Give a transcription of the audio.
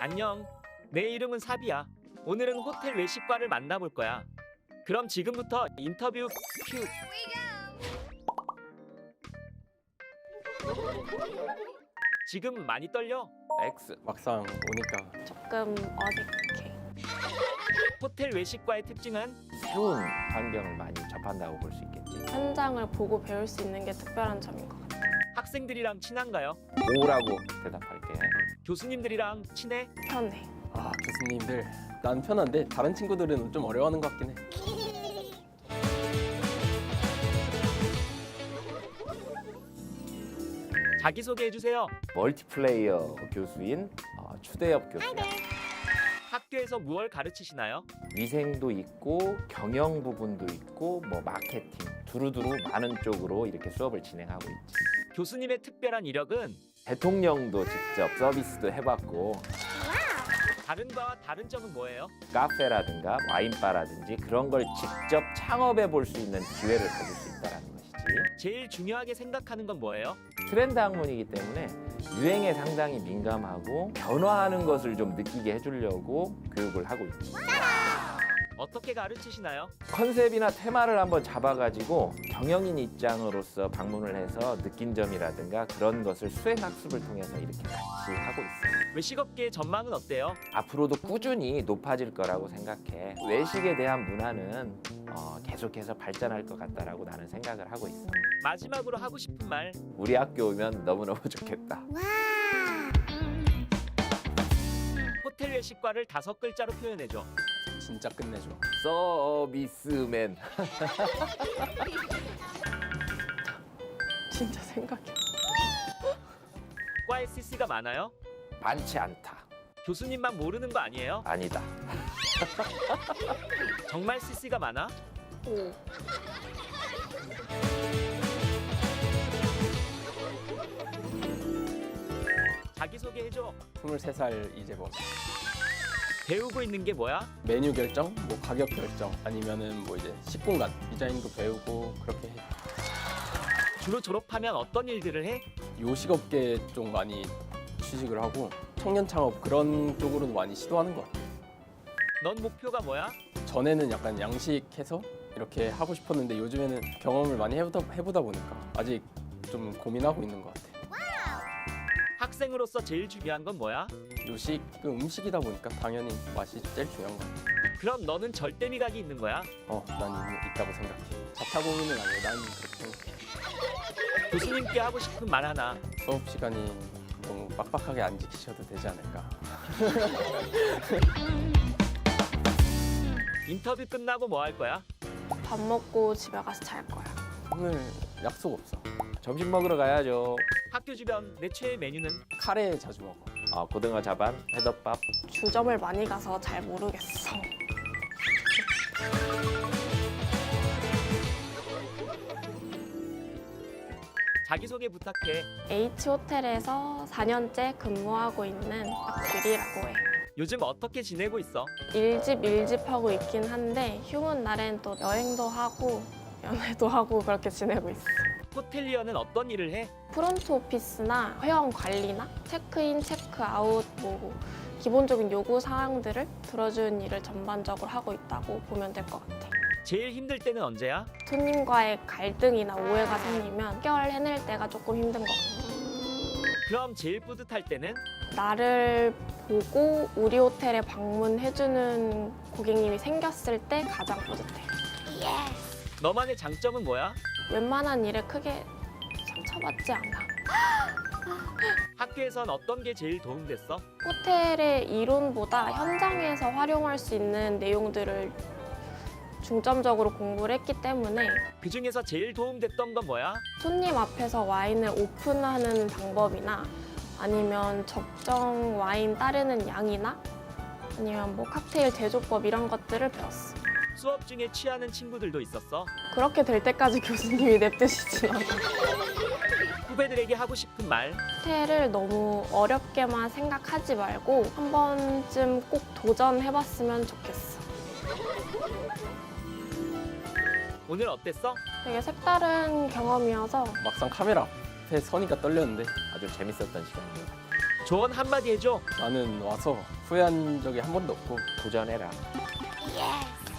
안녕. 내 이름은 사비야. 오늘은 호텔 외식과를 만나볼 거야. 그럼 지금부터 인터뷰 큐. 지금 많이 떨려? X 막상 오니까 조금 어색해. 호텔 외식과의 특징은 새로운 환경을 많이 접한다고 볼 수 있겠지. 현장을 보고 배울 수 있는 게 특별한 점인 것 같아요. 학생들이랑 친한가요? 오라고 대답할게. 교수님들이랑 친해? 편해. 아 교수님들 난 편한데 다른 친구들은 좀 어려워하는 것 같긴 해. 자기소개해주세요. 멀티플레이어 교수인 추대엽 교수야. 학교에서 무얼 가르치시나요? 위생도 있고 경영 부분도 있고 뭐 마케팅 두루두루 많은 쪽으로 이렇게 수업을 진행하고 있지. 교수님의 특별한 이력은 대통령도 직접 서비스도 해봤고 다른 바와 다른 점은 뭐예요? 카페라든가 와인바라든지 그런 걸 직접 창업해 볼 수 있는 기회를 가질 수 있다는 것이지. 제일 중요하게 생각하는 건 뭐예요? 트렌드 학문이기 때문에 유행에 상당히 민감하고 변화하는 것을 좀 느끼게 해주려고 교육을 하고 있지. 어떻게 가르치시나요? 컨셉이나 테마를 한번 잡아가지고 경영인 입장으로서 방문을 해서 느낀 점이라든가 그런 것을 수행학습을 통해서 이렇게 같이 하고 있어요. 외식업계의 전망은 어때요? 앞으로도 꾸준히 높아질 거라고 생각해. 외식에 대한 문화는 계속해서 발전할 것 같다라고 나는 생각을 하고 있어. 마지막으로 하고 싶은 말. 우리 학교 오면 너무너무 좋겠다. 호텔 외식과를 5글자로 표현해줘. 진짜 끝내줘. 서비스맨. 진짜 생각해. 과에 CC가 많아요? 많지 않다. 교수님만 모르는 거 아니에요? 아니다. 정말 CC가 많아? 오. 자기소개해줘. 23살 이재범. 배우고 있는 게 뭐야? 메뉴 결정, 뭐 가격 결정, 아니면은 뭐 이제 식공간 디자인도 배우고 그렇게 해. 주로 졸업하면 어떤 일들을 해? 요식업계 쪽 많이 취직을 하고 청년 창업 그런 쪽으로도 많이 시도하는 것 같아. 넌 목표가 뭐야? 전에는 약간 양식해서 이렇게 하고 싶었는데 요즘에는 경험을 많이 해보다 보니까 아직 좀 고민하고 있는 것 같아. 학생으로서 제일 중요한 건 뭐야? 요식은 음식이다 보니까 당연히 맛이 제일 중요한 것 같아. 그럼 너는 절대 미각이 있는 거야? 난 있다고 생각해. 자타공인은 아니고 난 그렇게 생각해. 교수님께 하고 싶은 말 하나. 수업 시간이 너무 빡빡하게 안 지키셔도 되지 않을까. 인터뷰 끝나고 뭐 할 거야? 밥 먹고 집에 가서 잘 거야. 오늘 약속 없어. 점심 먹으러 가야죠. 학교 주변 내 최애 메뉴는? 카레 자주 먹어. 고등어 자반, 회덮밥. 주점을 많이 가서 잘 모르겠어. 자기소개 부탁해. H호텔에서 4년째 근무하고 있는 박규리라고 해. 요즘 어떻게 지내고 있어? 일집하고 있긴 한데 휴문 날엔 또 여행도 하고 연애도 하고 그렇게 지내고 있어. 호텔리어는 어떤 일을 해? 프론트 오피스나 회원 관리나 체크인, 체크아웃 뭐 기본적인 요구 사항들을 들어주는 일을 전반적으로 하고 있다고 보면 될 것 같아. 제일 힘들 때는 언제야? 손님과의 갈등이나 오해가 생기면 해결해낼 때가 조금 힘든 것 같아. 그럼 제일 뿌듯할 때는? 나를 보고 우리 호텔에 방문해주는 고객님이 생겼을 때 가장 뿌듯해. 너만의 장점은 뭐야? 웬만한 일에 크게 상처받지 않아. 학교에선 어떤 게 제일 도움됐어? 호텔의 이론보다 현장에서 활용할 수 있는 내용들을 중점적으로 공부를 했기 때문에 그 중에서 제일 도움됐던 건 뭐야? 손님 앞에서 와인을 오픈하는 방법이나 아니면 적정 와인 따르는 양이나 아니면 뭐 칵테일 제조법 이런 것들을 배웠어. 수업 중에 취하는 친구들도 있었어? 그렇게 될 때까지 교수님이 냅두시지 않아. 후배들에게 하고 싶은 말. 호텔을 너무 어렵게만 생각하지 말고 한 번쯤 꼭 도전해봤으면 좋겠어. 오늘 어땠어? 되게 색다른 경험이어서 막상 카메라 앞에 서니까 떨렸는데 아주 재밌었던 시간이에요. 조언 한마디 해줘. 나는 와서 후회한 적이 한 번도 없고 도전해라. 예스.